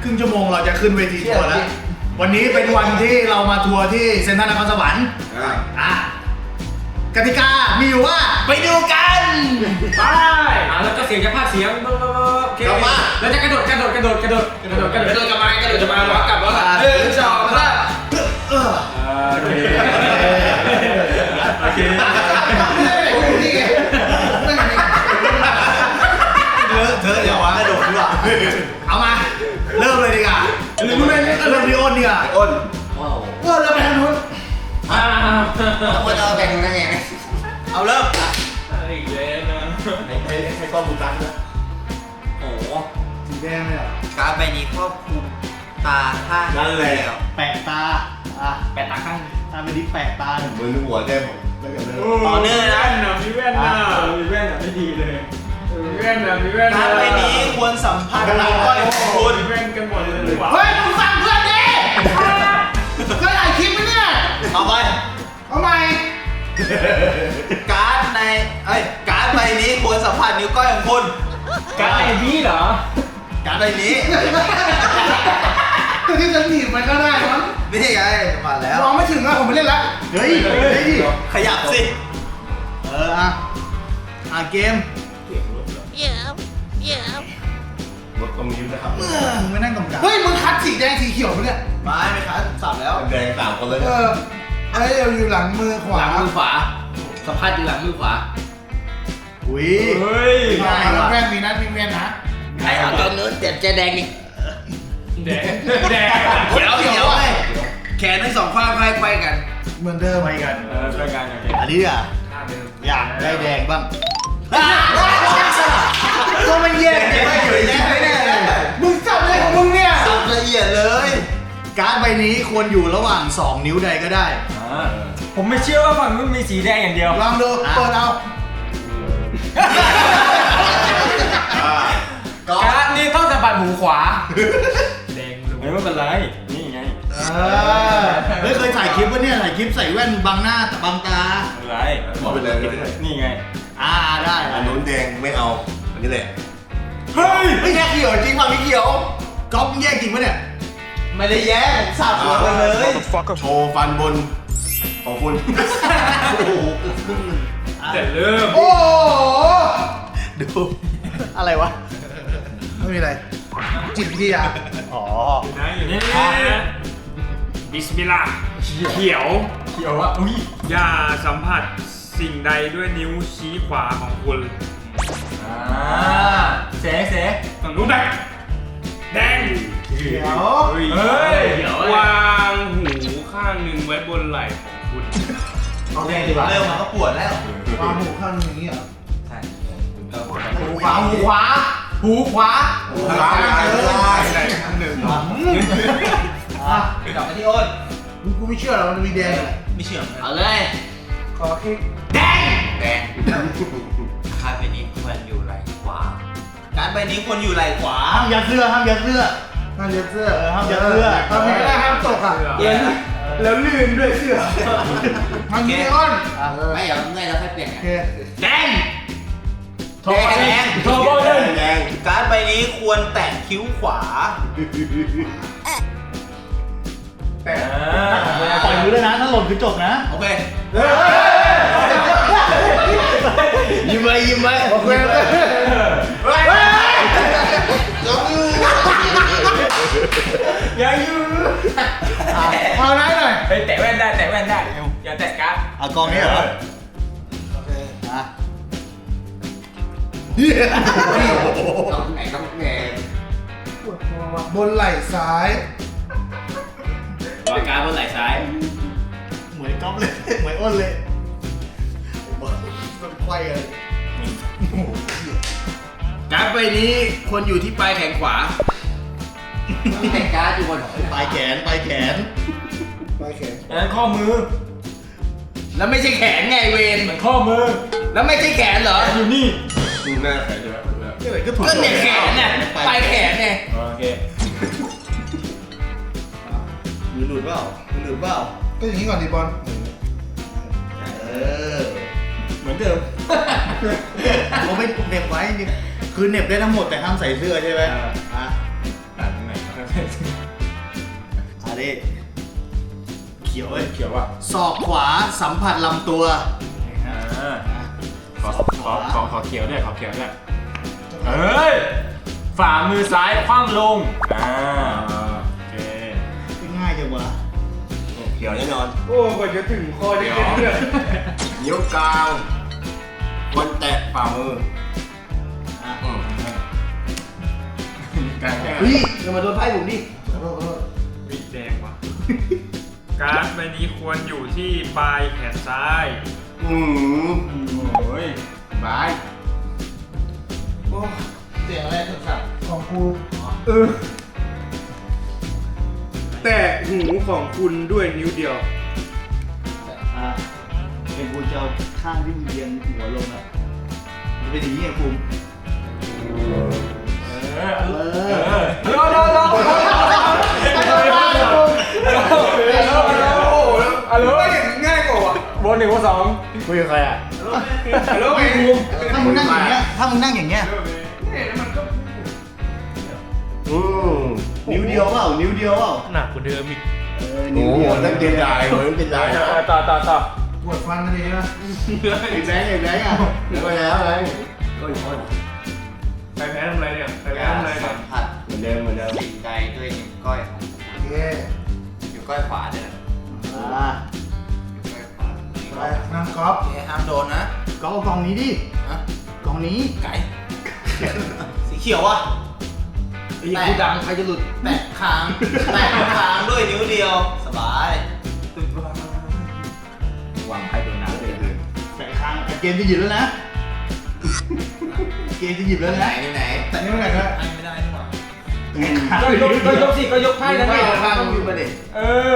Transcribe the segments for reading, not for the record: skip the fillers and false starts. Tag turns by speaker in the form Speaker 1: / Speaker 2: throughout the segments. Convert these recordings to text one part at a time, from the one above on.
Speaker 1: ครึ่งชั่วโมงเราจะขึ้นเวทีทัวร์แล้ววันนี้เป็นวันที่เรามาทัวร์ที่เซ็นทรัลนครสวรรค์กติกามีอยู่ว่าไปดูกันไป
Speaker 2: แล้วก็เสียงจะพากเสียงกลับมาแล้วจะกระโดดกลับมากระโดดจะมาล้อกลับแล้ว1 2 3โอเค
Speaker 1: เธออย่าวางกระโดดดีกว่าเอามาเริ่มเลยดีกว่าเริ่มที่อ้นดีกว่าอ้นเริ่มไปทางนู้น
Speaker 3: ว่าจะแบ่งยังไง
Speaker 1: เอาเริ่ม
Speaker 2: อีกแล้วนะ
Speaker 1: ให้กล้องดูกันด้วย
Speaker 3: โอ้
Speaker 1: สีแดงเลยอ่ะ
Speaker 3: การ์ดใบนี้ครอบคลุมตาข้าง
Speaker 1: นั่นแหละแปะตา
Speaker 2: แปะตาข้าง
Speaker 1: ตาไม่ดิแปะตา
Speaker 4: มือหัวแก้ม
Speaker 3: ต่อเนื่องนะ
Speaker 2: มีแว่นไม่ดีเลยมีแว่น
Speaker 3: การ์ดใบนี้ควรสัมผัสนิ้วก้อยของคุณ
Speaker 2: มีแว่นกันหมดเลย
Speaker 1: เฮ้ยมึงฟังเพื่อนดิเพื่อนถ่ายคลิปไหมเนี่ย
Speaker 3: เอาไป
Speaker 1: เอาใหม่
Speaker 3: การ์ดใบนี้ควรสัมผัสนิ้วก้อยของคุณ
Speaker 2: การ์ดไอ้พี่เหรอ
Speaker 3: การ์ดใบนี้
Speaker 1: ตัวที่จะหนีบมันก็ได้มั้ง
Speaker 3: นี่ไงมาแล้ว
Speaker 1: มองไม่ถึงอะผมไม่เล่นละเฮ้ย
Speaker 3: ขยับสิ
Speaker 1: เกม
Speaker 4: รถตรงนี้นะครับ
Speaker 1: มึงไม่นั่งตรงกลางเฮ้ยมึงคัดสีแดงสีเขียวมั้ยเนี่ย
Speaker 3: ไม่คัดสับแล้ว
Speaker 4: แดง3 คนเลย
Speaker 1: เฮ้ยอยู่หลังมือขวา
Speaker 2: หลังมือขวาสัมภาษณ์อยู่หลังมือขวา
Speaker 1: อุ้ยง่ายแล้วแม่งมีนัดมีเวียนนะ
Speaker 3: ไอ้ตอนนู้นจะแดงอีก
Speaker 2: แดง
Speaker 3: เดี๋ยวแขนทั้ง2ข้างไขว้กัน
Speaker 1: เหมือนเดิม
Speaker 2: ไปกันช่วยกัน
Speaker 1: อันนี้อ่ะอยากได้แดงบ้างก็มันแย่
Speaker 3: ไม่อยู่แย่ไม่แน่เลย
Speaker 1: มึงจับเลยของมึงเนี่ย
Speaker 3: สับละเอียดเลย
Speaker 1: การ์ดใบนี้ควรอยู่ระหว่าง2 นิ้วใดก็ได้
Speaker 2: ผมไม่เชื่อว่าฝั่งนู้นมีสีแดงอย่างเดียว
Speaker 1: ลองดูเปิดเอา
Speaker 2: การ์ดนี่ต้องสัมผัสหูขวาแดงไม่เป็นไรนี่ไง
Speaker 1: เฮ้ยเคยถ่ายคลิปวะเนี่ยถ่ายคลิปใส่แว่นบังหน้าบังตา
Speaker 2: อะไร
Speaker 4: บอกไปเลย
Speaker 2: นี่ไง
Speaker 1: ได้
Speaker 4: อันนู้นแดงไม่เอาอันนี้แหละ
Speaker 1: เฮ้ยไม่แยกเขียวจริงป่ะพี่เขียวก๊อฟแยกจริงปะเนี่ย
Speaker 3: ไม่ได้แยกสับหัวกันเลย
Speaker 4: โชว์ฟันบนของคุณ
Speaker 1: โอ้โห
Speaker 2: แต่เริ่ม
Speaker 1: โอ้ดูอะไรวะไม่มีอะไรจิตวิทยา
Speaker 2: อยู่นี่บิสมิลลาห์เขียวอ่ะอย่าสัมผัสสิ่งใดด้วยนิ้วชี้ขวาของคุณเสฝั่งนู้นแดง
Speaker 1: เขียว
Speaker 2: วางหูข้างหนึ่งไว้บนไหล่ของคุณ
Speaker 1: เอาแดงดีกว่า
Speaker 3: เริ่มมาก็ปวดแล้ว
Speaker 1: วางหูข้างนี้เหรอ
Speaker 3: ใช่
Speaker 1: หูขวาหูขวา
Speaker 2: ไหนข้างหนึ่ง
Speaker 3: กลับมาที่อ้น
Speaker 1: กูไม่เชื่อหรอกมันมีแดง
Speaker 3: ไม่เชื่อ
Speaker 2: เอาเลย
Speaker 1: ขอคิด
Speaker 3: แดงการ์ดใบนี้ควรอยู่ไหล่ขวาการ์ดใบนี้ควรอยู่ไหล่ขวา
Speaker 1: ห้ามยัดเสื้อห้ามยัดเสื้อทำไม่ได้ห้ามตกอ่ะแล้วลื่นด้วยเสื้อทางนี้อ้น
Speaker 3: ไม่อย่าเมื่อยแล้วค่อยเปลี่ยนไง
Speaker 2: แดง
Speaker 3: การ์ดใบนี้ควรแตะคิ้วขวา
Speaker 1: แต่ปล่อยมือเลยนะถ้าหล่นคือจบนะ
Speaker 3: โอเค
Speaker 1: ยิ้มไว้โอเค
Speaker 2: ยังอยู่
Speaker 1: เอาได้หน่อย
Speaker 2: แตะแว่นได้อย่าแตะการ์ด
Speaker 1: เอากองนี้เหรอโอเค
Speaker 3: ต้องแหง
Speaker 1: ปวดคอว่ะบนไหล่ซ้ายว
Speaker 2: างการ์ดบนไหล่ซ้าย
Speaker 1: เหมือนก๊อฟเลยเหมือนอ้นเลยมันไขว้เลย
Speaker 2: การ์ดใบนี้ควรอยู่ที่ปลายแขนขวา
Speaker 3: มีแต่การ์ดอยู่บน
Speaker 1: ปลายแขน
Speaker 2: แล้วข้อมือ
Speaker 3: แล้วไม่ใช่แขนไงเวร
Speaker 2: มันข้อมือ
Speaker 3: แล้วไม่ใช่แขนเหรอ
Speaker 2: อยู่นี่
Speaker 4: ดูหน้าแขนใช่ไหม
Speaker 3: ก็เนี่ยแขนเนี่ยปลายแขนไง
Speaker 2: โอเค
Speaker 1: มือหลุดเปล่าก็อย่างนี้ก่อนดิบอลเหมือนเดิมเราไม่เหน็บไว้จริงคือเหน็บได้ทั้งหมดแต่ห้ามใส่เสื้อใช่ไหมนี่เขียวเว้ย
Speaker 2: เขียวอ่ะ
Speaker 1: ศอกขวาสัมผัสลำตัว
Speaker 2: ขอเขียวด้วยขอเขียวด้วยเฮ้ยฝ่ามือซ้ายคว่ำลงโอเค
Speaker 1: ง่ายจังวะ
Speaker 4: เขียวแน่นอน
Speaker 2: โอ้กว่าจะถึงคอจะเก็บเลย
Speaker 4: นิ้วกลางวันแตะฝ่ามือ
Speaker 1: เฮ้ยอย่ามาโดนไพ่ผมดิ
Speaker 2: วิแดงว่ะการ์ดใบนี้ควรอยู่ที่ปลายแขนซ้าย
Speaker 4: อืม
Speaker 2: โอ้ยบาย
Speaker 1: เสียงอะไรสับของกู
Speaker 2: แต่หูของคุณด้วยนิ้วเดียว
Speaker 1: เป็นกูจะเอาข้างที่มึงเอียงหัวลงอ่ะมันเป็นอย่างนี้ไงภูมิ
Speaker 2: ง่ายกว่าบนหนึ่งบนสองคุยกับใครอ่ะฮัลโหลภูมิ
Speaker 1: ถ้ามึงนั่งอย่างเงี้ยถ้ามึงนั่งอย่างเงี้ย
Speaker 4: อืม
Speaker 1: นิ้วเดียวเปล่านิ้วเดียวเปล่า
Speaker 2: หนักกว่าเดิมอีก
Speaker 4: โอ้โหนั่นเป็นลายเหมือนเป็นลาย
Speaker 2: ต่อ
Speaker 1: ปวดฟันกันดีนะไอ้แบงค์อ่ะ
Speaker 4: แล้วก็แล้วไง
Speaker 2: ใครแพ้ทำไรเนี่ยใครแพ้ทำไรเนี่ย
Speaker 3: ผัด
Speaker 4: เหมือนเดิมเหมือนเดิม
Speaker 3: สิ่งใดด้วยนิ้วก้อยของ
Speaker 1: โอเค
Speaker 3: นิ้วก้อยขวาเนี่ย
Speaker 1: อ่า
Speaker 3: นิ้วก้อยขวา
Speaker 1: ไปนั่งกอล์ฟ
Speaker 3: ห้ามโดนนะ
Speaker 1: กอล์ฟเอากล่องนี้ดิ
Speaker 3: ฮะ
Speaker 1: กล่องนี้
Speaker 3: ไก่สีเขียวอ่ะ
Speaker 1: ไอ้กูดังใครจะหลุด
Speaker 3: แตะค้างแตะค้างด้วยนิ้วเดียว สบาย
Speaker 1: วางไพ่โดนน้ำเลยแต่ครั้งเกมจะหยิบแล้วนะเกมจะหยิบแล้ว
Speaker 3: ไหน
Speaker 1: นะ
Speaker 3: ไหน
Speaker 1: แต่นี่มันไงนะ
Speaker 3: ให้ไม่ได้นี่หว่า
Speaker 2: ก็ยกสิก็ยกไพ่แล้วไง
Speaker 1: ต้องหยิบมาดิ
Speaker 2: เออ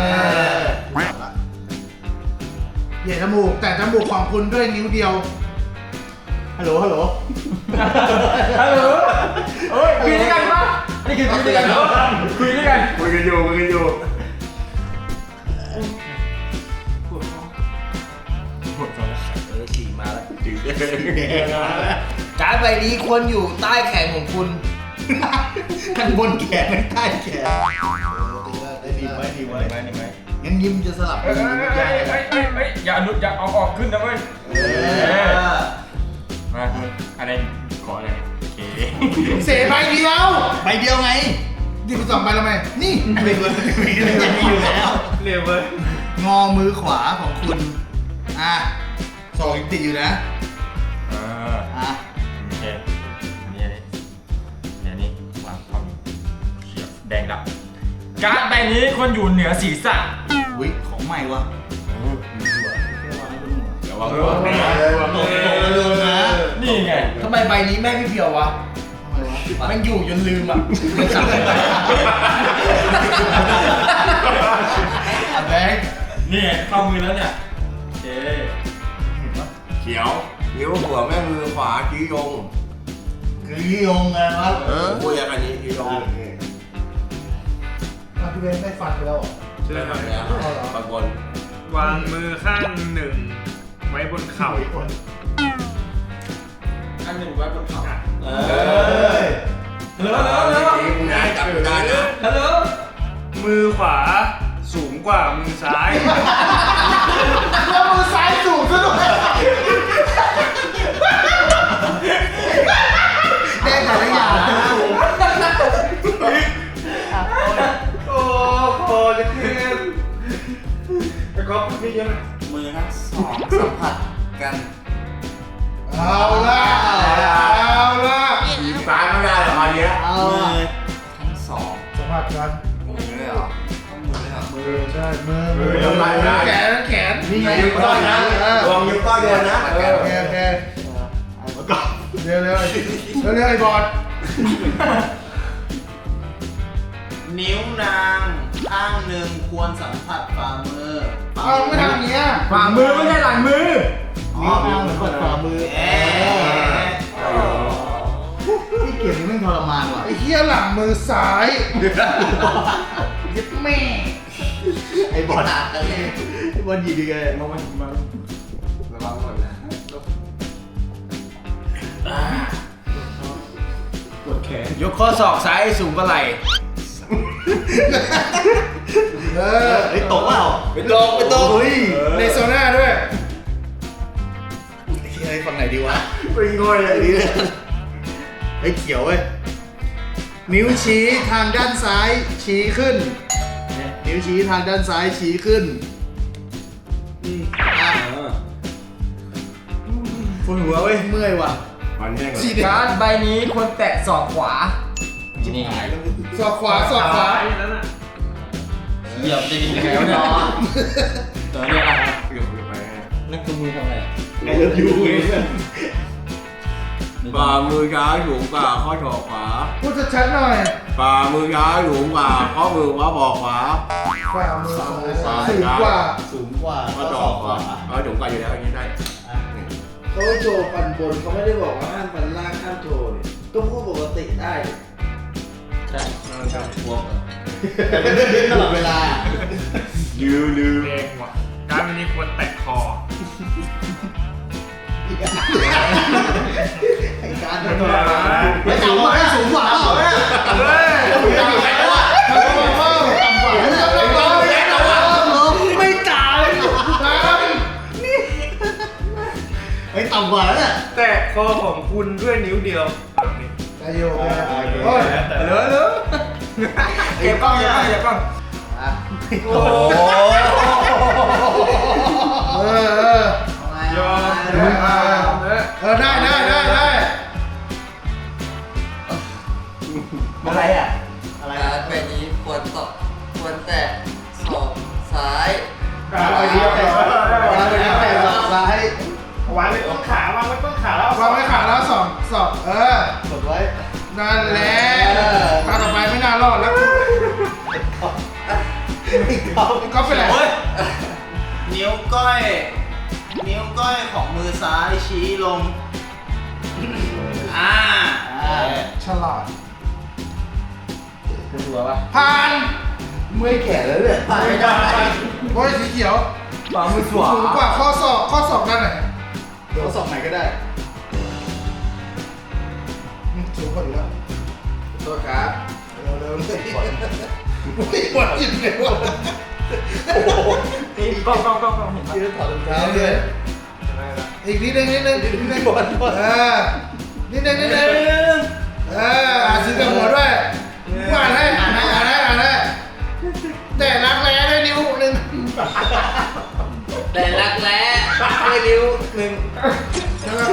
Speaker 1: เหยียดจมูกแต่จมูกของคุณด้วยนิ้วเดียวฮัลโหลฮัลโหล
Speaker 2: ฮัลโหลเฮ้ยคุยด้วยกันปะนี่คือคุยด้วยกันเหรอคุยด้วยกัน
Speaker 4: คุยกันอยู่
Speaker 3: ขี่มาแล้ว
Speaker 4: จืด
Speaker 3: การ์ดใบนี้ควรอยู่ใต้แขนของคุณ
Speaker 1: ข้างบนแขนใต้แขนดีไว้ดีไว้งั้นยิ้มจะสลับ
Speaker 2: อย่าอย่าเอาออกขึ้นนะเว้ยมาอะไรขออะไรโอเค
Speaker 1: เสใบเดียวใบเดียวไงหยิบไป2ใบแล้วไหมนี่ใบเดียวมีอยู่แล้ว
Speaker 2: เร็วเว้ย
Speaker 1: งอมือขวาของคุณสองติดอยู่นะอ่ะ
Speaker 2: โอเคอันนี้นี่วางความเขียวแดงดับการ์ดใบนี้ควรอยู่เหนือศีรษะ
Speaker 1: อุ้ยของใหม่วะ
Speaker 2: เดี๋ยววาง
Speaker 1: ตกเลยนะ
Speaker 2: นี่ไง
Speaker 3: ทำไมใบนี้แม่พี่เพียววะ
Speaker 1: ทำไมวะ
Speaker 3: มันอยู่จนลืมอ่ะมันสั่งไป
Speaker 1: แบงค์
Speaker 2: นี่เข้ามือแล้วเนี่ยโอเค
Speaker 4: เขียวนิ้วหัวแม่มือขวาชี้ยง
Speaker 1: คือยี่ยงไงวะ
Speaker 4: ผมพูดอย่างนี้ชี้ยง
Speaker 1: พี่เบนได้ฟันไปแล้ว
Speaker 2: ใช่ไหม
Speaker 4: แล้วบางคน
Speaker 2: วางมือข้างหนึ่งไว้บนเข่า
Speaker 3: อันหนึ่งไว้บนเขา
Speaker 4: ได้จับได้นะ
Speaker 3: ฮัลโหล
Speaker 2: มือขวาสูงกว่ามือซ้าย
Speaker 1: แล้วมือซ้ายสูงซะด้วยได้แต่ละอย่าง
Speaker 2: โอ้โหจะเทียนไปก๊อฟนี่ยัง
Speaker 3: มือทั้งสองสัมผัสกัน
Speaker 1: เอาละ
Speaker 4: ทีมซ้ายไม่ได้หรอกอันเนี้ย
Speaker 1: เอา
Speaker 3: มื
Speaker 1: ละ
Speaker 3: อทั้งสอง
Speaker 1: สัมผัสกัน
Speaker 3: มือเลยเหรอต้องมือเลยเหรอ
Speaker 1: มือใช่มือ
Speaker 4: ทำไรนะ
Speaker 1: แขนนี่ไง
Speaker 4: นิ้วก้อยนะลองนิ้วก้อยโดนนะ
Speaker 1: โอเคโอเคเร็วเร็วไอ้บอด
Speaker 3: นิ้วนางข้างหนึ่งควรสัมผัสฝ่ามือ
Speaker 1: เอาไม่ทำอย่างเงี้ย
Speaker 2: ฝ่ามือไม่ใช่หลังมือ
Speaker 1: นิ้วนางเหมือนกดฝ่ามือ
Speaker 3: เอ๊ะ
Speaker 1: ที่เกียรตินี่มันทรมานว่ะไอ้เหี้ยหลังมือซ้ายยึดแม่ไอ้บอลไอ้บอลหยิบยังไง
Speaker 3: ระวังหมดนะ
Speaker 2: กดแขน
Speaker 3: ยกข้อศอกซ้ายสูงกว่าไหล่
Speaker 1: เฮ้ยตกเปล่า
Speaker 4: ไปตก
Speaker 1: เฮ้ย
Speaker 5: ในโซน่าด้วย
Speaker 1: ไอ้ฝั่งไหนดีวะ
Speaker 4: เป็นง่อยอะไรเนี่ย
Speaker 1: ไอ้เขียวเว้ยนิ้วชี้ทางด้านซ้ายชี้ขึ้นนิ้วชี้ทางด้านซ้ายชี้ขึ้นอ่ะ
Speaker 4: ปวดหัวเว้ย
Speaker 1: เมื่อยว่ะ
Speaker 4: มันแห้งเลย
Speaker 1: ชี้เด็ก
Speaker 5: การ์ดใบนี้ควรแตะศอกขวานี่
Speaker 1: ศอกขวาศอกขวา
Speaker 2: นั่นน่ะ
Speaker 5: เหยียบจะดียังไงวะเนี่ยตัวนี้อะไร
Speaker 4: เกือบไป
Speaker 5: นั่นคือมือทำอะไร
Speaker 1: ไอ้เลิฟยูเว้ย
Speaker 4: ฝ่ามือซ้ายสูงกว่าข้อศอกขวา
Speaker 5: พูดชัดๆหน่อย
Speaker 4: ฝ่ามือซ้ายสูงกว่าข้อมือขวาบอกขวา
Speaker 5: ฝ่ามือ
Speaker 4: ซ้าย
Speaker 5: สูงกว่า
Speaker 1: สูงกว่า
Speaker 4: ข้อศอกขวาเอาสูงกว่าอยู่แล้วอย่างนี้ได้
Speaker 3: เขาโชว์ฟันบนเขาไม่ได้บอกว่าห้ามฟันล่างห้ามโชว์นี่ก็พูดปกติได้
Speaker 5: ใช่
Speaker 3: พวกแต่เป็นเรื่องนี้ตลอดเวลา
Speaker 4: ลืม
Speaker 2: แรงว่ะการวันนี้ควรแตะคอ
Speaker 3: ไอ้การ
Speaker 2: ไม่ต้องมา
Speaker 1: ไม่สูงกว่าไม่สูงกว่า
Speaker 2: เฮ้ย
Speaker 1: ไม่จ่ายไอ้ต่ำกว่าแล้วเนี่ย
Speaker 2: แตะคอของคุณด้วยนิ้วเดียว
Speaker 5: ได้อยู่โอ้ยเหลือเก็บกล้องเก็บกล้อง
Speaker 3: โอ้โห
Speaker 2: ยอม
Speaker 5: ได้อะไรอ่ะ
Speaker 3: อะไร
Speaker 6: การใบนี้ควรตกควรแตะศอกซ้าย
Speaker 2: การไปเดียวแต่
Speaker 3: เราไปแตะศอกซ้ายว
Speaker 2: างไว้ต้นขาวางไว้ต้นขาแล้ว
Speaker 5: วางไว้ขาแล้วสองเออก
Speaker 3: ดไว้
Speaker 5: นั่นแหละตาต่อไปไม่น่ารอดแล้วก็เป็นไร
Speaker 3: นิ้วก้อยของมือซ้ายชี้ลงอ่า
Speaker 5: ฉลาดผ่าน
Speaker 3: เมื่อยแก่แล้วเนี่ยไปไม่ได้
Speaker 5: โอ้ยสีเขียว
Speaker 3: ฝ่ามือขวา
Speaker 5: สูงกว่าข้อศอกด้านไหน
Speaker 3: เขาสอบไหนก็ได้
Speaker 5: สูงกว่าอยู่แล้ว
Speaker 3: โทษครับ
Speaker 5: เร็วเลยไม่ปวดจิตเลยวะ
Speaker 2: นี่กล้องเห็นปะ
Speaker 3: ยืนถอดรองเท้าเลย
Speaker 5: อีกนิดนึงนิดนึงนิดนึงนิดนึงซื้อกับหัวด้วยอ่านให้แต่รักแร้ด้วยนิ้วนึง
Speaker 6: แต่รักแร้ด้วยนิ้วหนึ่ง
Speaker 5: นะครับ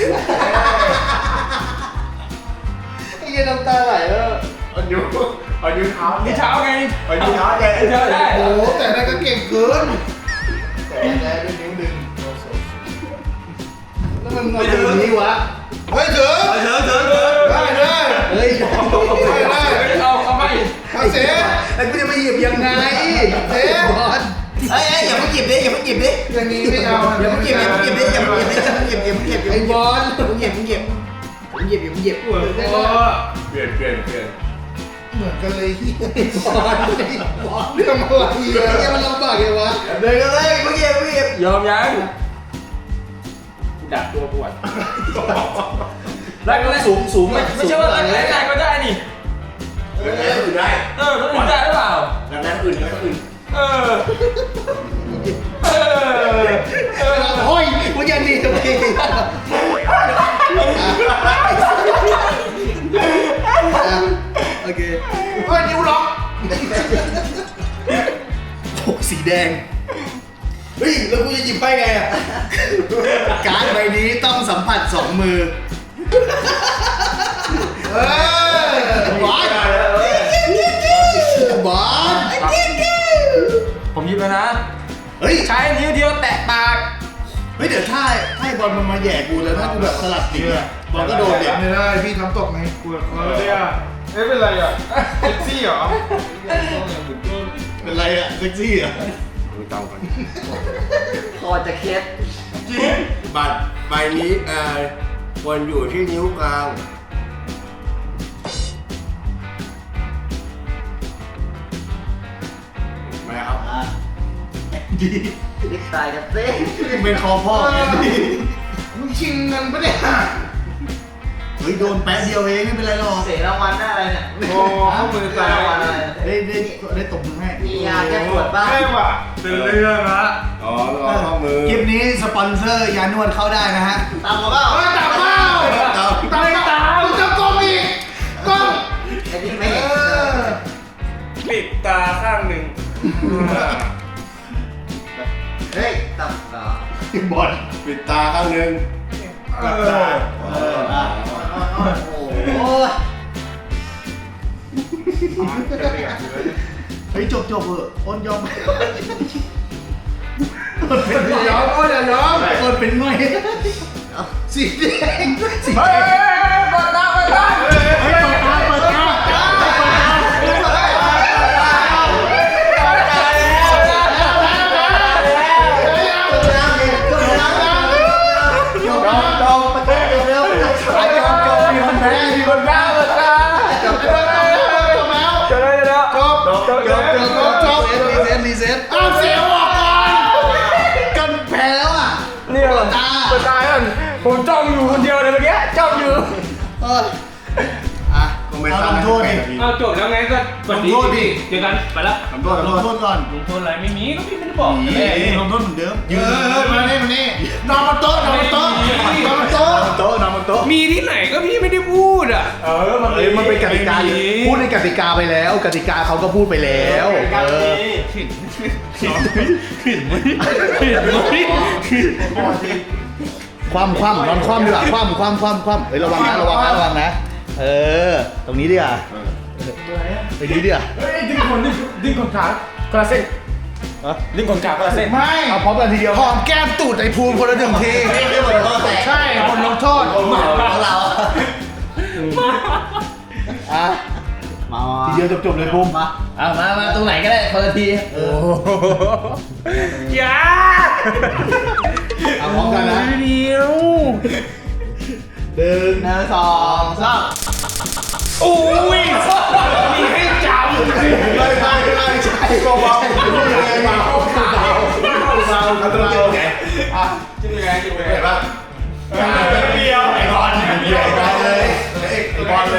Speaker 3: ไอ้ยันน้ำตาไหลแล้ว
Speaker 4: เอานิ้วเท้า
Speaker 2: นี่เช้าไง
Speaker 4: เอานิ้วเท้าแก
Speaker 2: เช้าได้
Speaker 5: โอ้แต่นั่นก็เก่งเกิน
Speaker 3: แต่แล้วด้วยนิ้วดึง
Speaker 1: แล้วมันมาถึงนี้วะ
Speaker 5: เฮ้ยถึงได้ได้
Speaker 3: เฮ้ย
Speaker 2: เอาไป
Speaker 5: เอาเสีย
Speaker 1: ไอ้กูจะไปหยิบยังไง
Speaker 5: เสีย
Speaker 3: เฮ้ยอย่าเพิ่งหยิบดิอย่าเพิ่งหยิบดิ
Speaker 5: อย่างนี้ไม่เอา
Speaker 3: อย่าเพิ่งหยิบอย่าเพิ่งหยิบดิอย่าเพิ่งหยิบดิอย่าเพิ่งหยิบอย่าเพิ่งหยิบ
Speaker 5: ไอ้บอล
Speaker 3: อย่าเพิ่งหยิบอย่าเพิ่งหยิบอย่าเพิ่งหยิบอย่าเพิ่งหยิบ
Speaker 2: ปวดคอ
Speaker 4: เปลี่ยน
Speaker 5: เหมือนกันเลยบอลเรื่องอะไร
Speaker 1: เฮียมันลำบากไงวะ
Speaker 3: เดินกันเลยอย่าเพิ่งหยิบอย่าเพิ่งหยิบ
Speaker 2: ยอมยังดักตัวปวดรักแร้สูงไม่ใช่ว่ารักแร้ก็ได้นี่
Speaker 4: แล้วแล้วอื่นได้
Speaker 2: ต้องอื่นได้หรือเปล่า
Speaker 4: แล้วอื่น
Speaker 2: เออ
Speaker 1: โอ้ยมันยังดีตรงนี้โอเค
Speaker 5: เฮ้ยนิ้วล็อก
Speaker 1: โอ้สีแดง เฮ้ย แล้วกูจะหยิบไปไงอ่ะ การ์ดใบนี้ต้องสัมผัส2 มือ
Speaker 5: เออบ
Speaker 1: อสบอส
Speaker 2: ผมหยิบแล้วนะ
Speaker 1: เฮ้ย
Speaker 2: ใช้นิ้วเดียวแตะปาก
Speaker 1: เฮ้ย เดี๋ยวถ้าไอ้บอลมันมาแย่กูแล้วถ้ากูแบบสลัดติดอะบอลก็โดนเด็ก
Speaker 5: ไม่ได้พี่ทำตกไง
Speaker 2: ปวดคอเลยอ่ะเอ๊ะเป็นไรอ่ะเซ็กซี่เหรอ
Speaker 1: เป็นไรอะเซ็กซี่อะ
Speaker 4: มือเตากัน
Speaker 6: คอจะเคล็ด
Speaker 4: บัตรใบนี้ควรอยู่ที่นิ้วกลางมาครับ
Speaker 1: ดี
Speaker 6: ลิปตายกันเต้
Speaker 1: เป็นคอพ่อไงดี
Speaker 5: มึงชิงเงินปะเนี่ย
Speaker 1: เฮ้ยโดนแป๊บเดียวเองไม่เป็นไรหรอก
Speaker 3: เสียรางวัลได้อะไรเนี่ย
Speaker 2: โอ้ข้อมือ
Speaker 3: เสีย
Speaker 2: ซ้าร
Speaker 3: างวัล
Speaker 2: ย
Speaker 3: อะไร
Speaker 1: ได้ตบมือให้
Speaker 3: มียาแก้ปวดบ้าง
Speaker 2: ใช่ว่ะเป็นเรื่องละ
Speaker 4: อ๋อรอข้อมือ
Speaker 1: คลิปนี้สปอนเซอร์ยานวดเข้าได้นะฮะ
Speaker 3: ตามมาเปล่า
Speaker 5: เฮ้ยตามเป้าตามมึงจะกล้องอีกกล้อง
Speaker 3: ไอ้นี่ไม่เห็น
Speaker 2: ปิดตาข้างหนึ่ง
Speaker 3: เฮ้ยตับตา
Speaker 1: บอล
Speaker 4: ปิดตาข้างหนึ่ง
Speaker 1: โอ้โหเฮ้ยจบเถอะอ้นยอมอ้นเป็นไง
Speaker 5: ยอมโอ้ยอย่ายอม
Speaker 1: อ้นเป็นไงสีแดงสีแดง
Speaker 3: เปิดตาเปิดตา
Speaker 1: เฮ้ยเปิดตาเปิดตามีคนแพ้มีคนแพ้เปิดตาจบแล้ว
Speaker 2: จะได้แล้ว
Speaker 1: รีเซ็ต
Speaker 5: เอาเสียงออกก่อน
Speaker 1: กันแพ้แล้วอ่ะ
Speaker 2: เนี่ยเปิดตากันผมจ้องอยู่คนเดียวเลยเมื่อกี้จ้องอยู่
Speaker 1: อ่ะ
Speaker 4: ก็ไม่
Speaker 1: เอาล
Speaker 4: ทำ
Speaker 1: งโทษดิ
Speaker 2: เอาจบแล้วไงก็
Speaker 1: ลงโทษดิ
Speaker 2: เจอกันไปแล้ว
Speaker 4: ทำโทษ
Speaker 1: ลงโทษก่อน
Speaker 2: ลงโทษอะไรไม่มีก็พี่ไม่ได้บอก
Speaker 1: ลงโทษเหมือนเดิม
Speaker 5: มานี่มานี่นอนบนโต๊ะนอนบนโต๊ะนอนบนโต๊ะ
Speaker 1: โต๊ะนอนบนโต๊ะ
Speaker 2: มีที่ไหนก็พี่ไม่ได้พูดอ่ะ
Speaker 1: มันเป็นกติกาอยู่พูดในกติกาไปแล้ว กติกาเขาก็พูดไปแล้วความนอนคว่ำดีกว่าคว่ำเฮ้ยระวังนะเออตรงนี้ดีกว่าตรงนี้ดีกว่า
Speaker 2: ดิ้งคนขาคนละเส้นดิ้งคนขาคนละเส้น
Speaker 5: ไม่
Speaker 1: เอาพร้อมกันทีเดียวหอมแก้มตูดไอ้ภูมิคนละหนึ่งที
Speaker 3: ไม่ได้บทลงโทษแต่
Speaker 5: ใช่คนลงโทษ
Speaker 3: ของเรา
Speaker 1: อ่ะทีเดียวจบเลยภูมิมา
Speaker 6: มาตรงไหนก็ได้คนละที
Speaker 2: อย่า
Speaker 1: เอาพร้อมกันนะ
Speaker 2: เดียว
Speaker 1: หนึ่ง
Speaker 3: 1 2 3
Speaker 2: โอ้ยมีให้จำ
Speaker 1: ไม่ใช่ก็เบาอันตรายไง
Speaker 2: จิ้มยังไงจิ้มยังไง
Speaker 4: เห็นปะ
Speaker 2: เดียวไอ้บอล
Speaker 1: เลยไอ้บอลเลย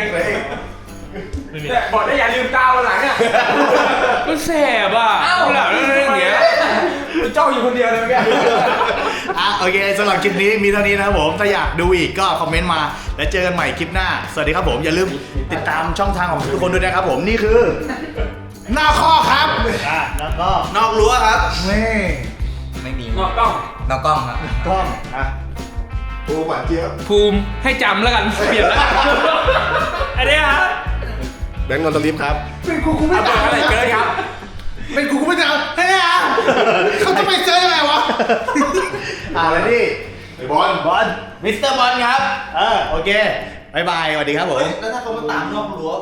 Speaker 2: บอกได้อย่าลืมตาวันหลังอ่ะก็แสบอ่ะหลังอะไรอย่างเงี้ยจ้องอยู่คนเดียวเลยเมื่อกี้
Speaker 1: โอเคสำหรับคลิปนี้มีเท่านี้นะครับผมถ้าอยากดูอีกก็คอมเมนต์มาแล้วเจอกันใหม่คลิปหน้าสวัสดีครับผมอย่าลืมติดตามช่องทางของทุกคนด้วยนะครับผมนี่คือหน้าข้อครับแล้วก็
Speaker 3: นอกรั้วครับ
Speaker 1: นี่
Speaker 6: ไม่มี
Speaker 2: นอกกล้อง
Speaker 6: นอกกล้องครับ
Speaker 1: กล้องอ่ะ
Speaker 4: ปูหวานเจี๊ยบ
Speaker 2: ภูมิให้จำแล้วกันเปลี่ยนแล้วอันนี้ครับ
Speaker 4: แบงค์นนทลิฟครับ
Speaker 5: เป็นกูไม่
Speaker 2: เอา
Speaker 5: ตาม
Speaker 2: อะไรเกินครับ
Speaker 5: เป็นกูไม่ตามเฮ้ยเขาจะไปเจอยังไงวะ
Speaker 1: แล้วนี่
Speaker 4: ไอ้บอล
Speaker 1: บอล
Speaker 6: มิสเตอร์บอลครับ
Speaker 1: โอเคบายบายสวัสดีครับผม
Speaker 3: แล้วถ้าเขามาตามนอกรั้ว